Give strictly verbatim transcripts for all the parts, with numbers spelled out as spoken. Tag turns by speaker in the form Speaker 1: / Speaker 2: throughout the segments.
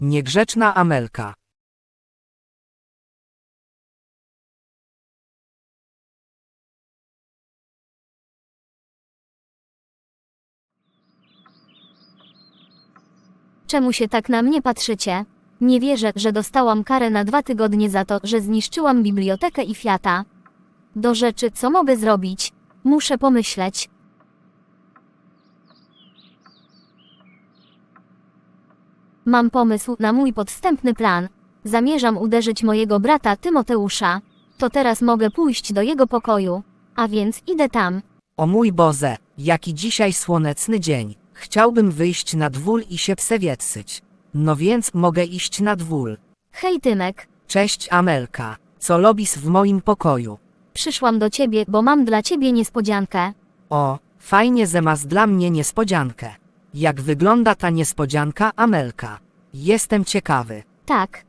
Speaker 1: Niegrzeczna Amelka.
Speaker 2: Czemu się tak na mnie patrzycie? Nie wierzę, że dostałam karę na dwa tygodnie za to, że zniszczyłam bibliotekę i Fiata. Do rzeczy, co mogę zrobić? Muszę pomyśleć. Mam pomysł na mój podstępny plan. Zamierzam uderzyć mojego brata Tymoteusza. To teraz mogę pójść do jego pokoju. A więc idę tam.
Speaker 1: O mój Boże, jaki dzisiaj słoneczny dzień. Chciałbym wyjść na dwór i się przewietrzyć. No więc mogę iść na dwór.
Speaker 2: Hej Tymek,
Speaker 1: Cześć Amelka. Co robisz w moim pokoju?
Speaker 2: przyszłam do ciebie, bo mam dla ciebie niespodziankę.
Speaker 1: O, fajnie, że masz dla mnie niespodziankę. Jak wygląda ta niespodzianka, Amelka? Jestem ciekawy.
Speaker 2: Tak.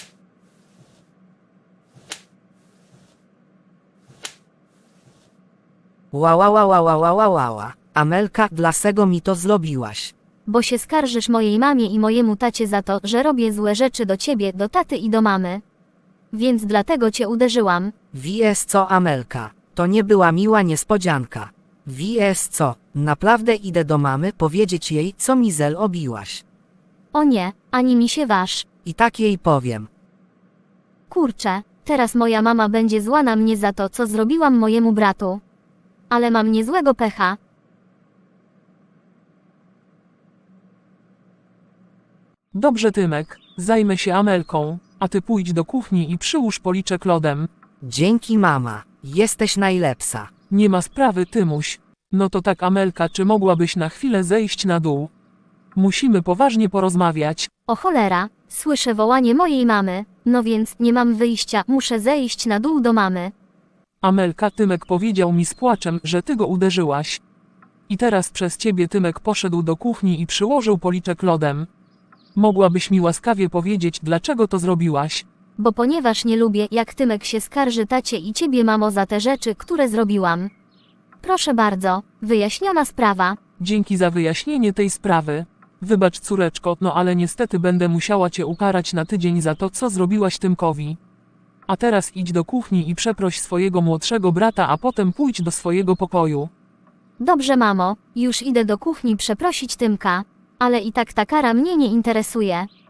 Speaker 1: Ła, ła, ła, ła, ła, ła, ła, ła, ła. Amelka, dlaczego mi to zrobiłaś?
Speaker 2: Bo się skarżysz mojej mamie i mojemu tacie za to, że robię złe rzeczy do ciebie, do taty i do mamy. Więc dlatego cię uderzyłam.
Speaker 1: Wiesz co, Amelka? To nie była miła niespodzianka. Wiesz co? Naprawdę idę do mamy powiedzieć jej, co mi zrobiłaś.
Speaker 2: O nie, ani mi się waż.
Speaker 1: I tak jej powiem.
Speaker 2: Kurczę, teraz moja mama będzie zła na mnie za to, co zrobiłam mojemu bratu. Ale mam niezłego pecha.
Speaker 3: Dobrze Tymek, zajmę się Amelką, a ty pójdź do kuchni i przyłóż policzek lodem.
Speaker 1: Dzięki mama, jesteś najlepsza.
Speaker 3: Nie ma sprawy Tymuś. No to tak Amelka, czy mogłabyś na chwilę zejść na dół? Musimy poważnie porozmawiać.
Speaker 2: O cholera, słyszę wołanie mojej mamy. No więc nie mam wyjścia, muszę zejść na dół do mamy.
Speaker 3: Amelka, Tymek powiedział mi z płaczem, że ty go uderzyłaś. I teraz przez ciebie Tymek poszedł do kuchni i przyłożył policzek lodem. Mogłabyś mi łaskawie powiedzieć, dlaczego to zrobiłaś?
Speaker 2: Bo ponieważ nie lubię, jak Tymek się skarży tacie i ciebie mamo za te rzeczy, które zrobiłam. Proszę bardzo, wyjaśniona sprawa.
Speaker 3: Dzięki za wyjaśnienie tej sprawy. Wybacz córeczko, no ale niestety będę musiała cię ukarać na tydzień za to, co zrobiłaś Tymkowi. A teraz idź do kuchni i przeproś swojego młodszego brata, a potem pójdź do swojego pokoju.
Speaker 2: Dobrze mamo, już idę do kuchni przeprosić Tymka. Ale i tak ta kara mnie nie interesuje.